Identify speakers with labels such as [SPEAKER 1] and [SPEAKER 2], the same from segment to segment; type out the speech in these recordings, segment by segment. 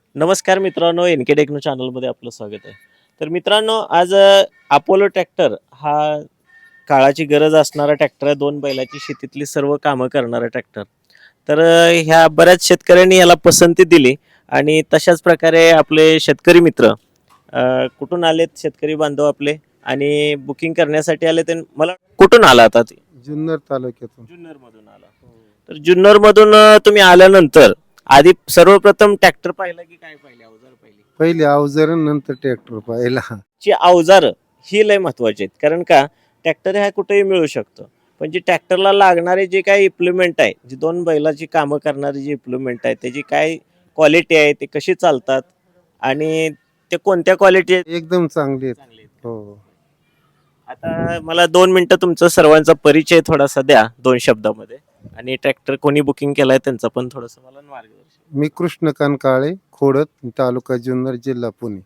[SPEAKER 1] नमस्कार मित्रांनो, NK techno चॅनलमध्ये आपलं स्वागत आहे. तर मित्रांनो, आज अपोलो ट्रॅक्टर हा काळाची गरज असणारा ट्रॅक्टर आहे. 2 बैलाची शेतीतली सर्व कामं करणारा ट्रॅक्टर. तर ह्या बऱ्याच शेतकऱ्यांनी याला पसंती दिली आणि तशाच प्रकारे आपले शेतकरी मित्र कुठून आलेत शेतकरी बांधव आपले आणि बुकिंग करण्यासाठी आले. ते मला कुठून आला आता ते?
[SPEAKER 2] जुन्नर तालुक्यातून.
[SPEAKER 1] जुन्नरमधून आला. तर जुन्नरमधून तुम्ही आल्यानंतर आधी सर्वप्रथम ट्रॅक्टर पाहिला की काय पाहिले, अवजार पाहिले?
[SPEAKER 2] पहिले अवजार नंतर ट्रॅक्टर पाहिला.
[SPEAKER 1] ची अवजार ही लय महत्वाची आहेत. कारण का ट्रॅक्टर हा कुठेही मिळू शकतो, पण जे ट्रॅक्टरला लागणारे जे काही इम्प्लिमेंट आहे, जी 2 बैलाची कामं करणारी जी इम्प्लिमेंट आहे, त्याची काय क्वालिटी आहे, ते कशी चालतात आणि ते कोणत्या क्वालिटी आहेत
[SPEAKER 2] एकदम चांगली आहेत.
[SPEAKER 1] चांगली आहेत.
[SPEAKER 2] हो.
[SPEAKER 1] आता मला 2 मिनिटं तुमचा सर्वांचा परिचय थोडासा द्या 2 शब्दामध्ये आणि ट्रॅक्टर कोणी बुकिंग केलाय त्यांचा पण थोडंसं मला मार्गदर्शन.
[SPEAKER 2] मी कृष्णकांत काळे, खोडत, तालुका जुन्नर, जिल्हा पुणे.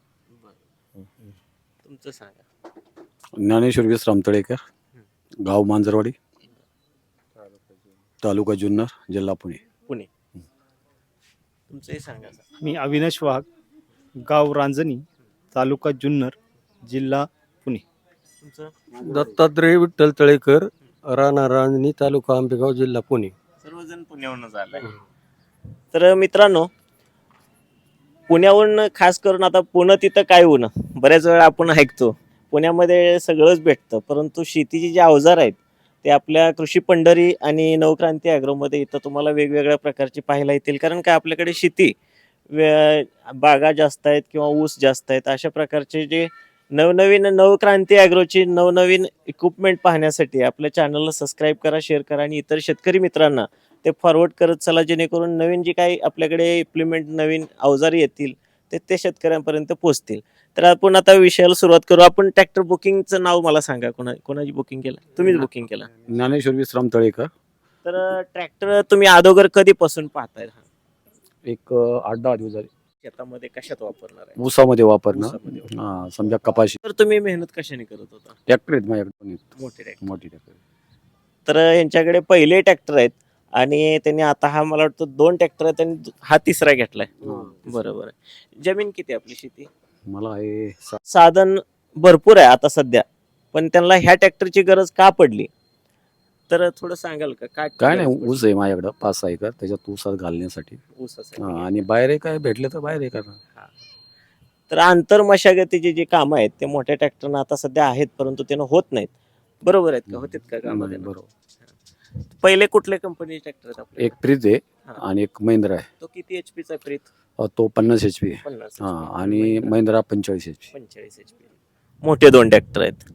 [SPEAKER 1] तुमचं सांगा.
[SPEAKER 3] ज्ञानेश्वर विश्राम तळेकर, गाव मांजरवाडी, तालुका जुन्नर, जिल्हा पुणे.
[SPEAKER 1] पुणे. तुमचंही सांगा.
[SPEAKER 4] मी अविनाश वाघ, गाव रांजणी, तालुका जुन्नर, जिल्हा पुणे.
[SPEAKER 1] तुमचं
[SPEAKER 5] दत्तात्रय विठ्ठल तळेकर, राणा रांजणी, तालुका आंबेगाव, जिल्हा पुणे.
[SPEAKER 1] सर्वजण पुण्याहूनच आलाय. तर मित्रांनो, पुण्याहून खास करून आता पुणे तिथं काय ऊन, बऱ्याच वेळा आपण ऐकतो पुण्यामध्ये सगळंच भेटतं, परंतु शेतीची जी अवजार आहेत ते आपल्या कृषी पंढरी आणि नवक्रांती ॲग्रोमध्ये इथं तुम्हाला वेगवेगळ्या प्रकारची पाहायला येतील. कारण काय आपल्याकडे शेती बागा जास्त आहेत किंवा ऊस जास्त आहेत. अशा प्रकारचे जे नवनवीन नवक्रांती ॲग्रोची नवनवीन इक्विपमेंट पाहण्यासाठी आपल्या चॅनलला सबस्क्राईब करा, शेअर करा आणि इतर शेतकरी मित्रांना ते फॉरवर्ड करत चला, जेणेकरून नवीन जे काही आपल्याकडे इम्प्लिमेंट नवीन अवजारी येतील ते शेतकऱ्यांपर्यंत पोहोचतील. तर आपण आता विषयाला सुरुवात करू. आपण ट्रॅक्टर बुकिंगचं नाव मला सांगा, कोणाची बुकिंग केलं? तुम्हीच बुकिंग केलं.
[SPEAKER 3] ज्ञानेश्वर विश्राम तळेकर.
[SPEAKER 1] तर ट्रॅक्टर तुम्ही अगोदर कधीपासून पाहताय?
[SPEAKER 3] एक 8-10 दिवस झाले.
[SPEAKER 1] शेतामध्ये कशात वापरणार आहे?
[SPEAKER 3] ऊसामध्ये वापरणं.
[SPEAKER 1] ऊसामध्ये.
[SPEAKER 3] समजा कपाशी.
[SPEAKER 1] तर तुम्ही मेहनत कशाने करत होता?
[SPEAKER 3] ट्रॅक्टर आहेत माझ्याकडे,
[SPEAKER 1] मोठे ट्रॅक्टर.
[SPEAKER 3] मोठी ट्रॅक्टर.
[SPEAKER 1] तर यांच्याकडे पहिले ट्रॅक्टर आहेत आणि त्यांनी आता हा मला वाटतं 2 ट्रॅक्टर आहेत आणि हा तिसरा घेतलाय. बरोबर आहे. जमीन किती आहे आपली शेती?
[SPEAKER 3] मला आहे
[SPEAKER 1] साधन भरपूर आहे आता सध्या, पण त्यांना ह्या ट्रॅक्टरची गरज का पडली तर थोडं सांगाल का?
[SPEAKER 3] काय नाही, ऊस आहे माझ्याकडं 5-6 एकर, त्याच्यात ऊसात घालण्यासाठी.
[SPEAKER 1] ऊसासाठी.
[SPEAKER 3] आणि बाहेर काय भेटले तर बाहेर करणार.
[SPEAKER 1] तर आंतर मशागतीची जी कामं आहेत ते मोठ्या ट्रॅक्टरनं आता सध्या आहेत, परंतु त्यानं होत नाहीत. बरोबर आहेत का? होतात का कामं?
[SPEAKER 3] नाही, बरोबर.
[SPEAKER 1] पहिले कुठल्या कंपनीचे ट्रॅक्टर आहेत आपले?
[SPEAKER 3] एक प्रीत आहे
[SPEAKER 1] हा.
[SPEAKER 3] आणि एक महिंद्रा आहे.
[SPEAKER 1] तो किती एचपीचा प्रीत?
[SPEAKER 3] तो 50 HP आहे.
[SPEAKER 1] 50
[SPEAKER 3] आणि महिंद्रा 45 HP.
[SPEAKER 1] 45 एचपी. मोठे 2 ट्रॅक्टर आहेत.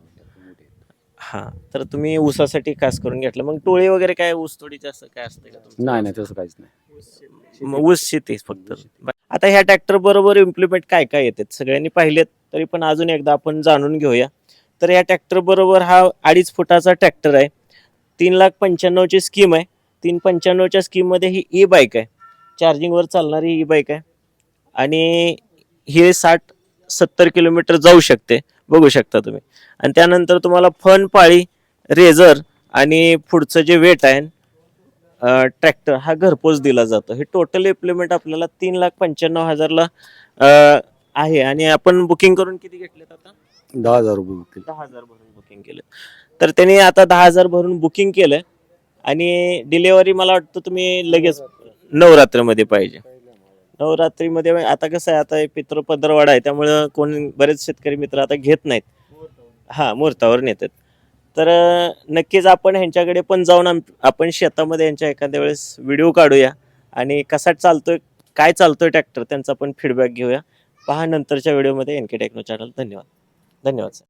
[SPEAKER 1] हा, तर तुम्ही ऊसासाठी खास करून घेतलं. मग टोळी वगैरे काय ऊस तोडीचे असं काय असतं का तुमचं?
[SPEAKER 3] नाही तसं काहीच नाही.
[SPEAKER 1] मग ऊस शेती फक्त. आता ह्या ट्रॅक्टर बरोबर इम्प्लिमेंट काय काय येतात सगळ्यांनी पाहिलेत, तरी पण अजून एकदा आपण जाणून घेऊया. तर या ट्रॅक्टर बरोबर हा 2.5 फुटाचा ट्रॅक्टर आहे. 3,95,000 ची स्कीम आहे. 3,95,000च्या स्कीममध्ये ही ई बाईक आहे, चार्जिंगवर चालणारी ई बाईक आहे आणि हे 60-70 किलोमीटर जाऊ शकते, बघू शकता तुम्ही. आणि त्यानंतर तुम्हाला फन, पाळी, रेझर आणि पुढचं जे वेट आहे ट्रॅक्टर हा घरपोच दिला जातो. हे टोटल इम्प्लिमेंट आपल्याला 3,95,000ला आहे. आणि आपण बुकिंग करून किती घेतलेत आता?
[SPEAKER 3] 10,000 रुपये होतील.
[SPEAKER 1] 10,000 भरून बुकिंग केलं. तर त्यांनी आता 10,000 भरून बुकिंग केलं आणि डिलेवरी मला वाटतं तुम्ही लगेच नवरात्रीमध्ये पाहिजे. नवरात्रीमध्ये आता कसं आहे, आता पितृपदरवाडा आहे त्यामुळं कोण बरेच शेतकरी मित्र आता घेत नाहीत. हा, मुहूर्तावर नेतात. तर नक्कीच आपण ह्यांच्याकडे पण जाऊन आपण शेतामध्ये यांच्या एखाद्या वेळेस व्हिडिओ काढूया आणि कसा चालतोय, काय चालतोय ट्रॅक्टर, त्यांचा पण फीडबॅक घेऊया. पहा नंतरच्या व्हिडिओमध्ये एनके टेक्नो चॅनल. धन्यवाद. धन्यवाद सर.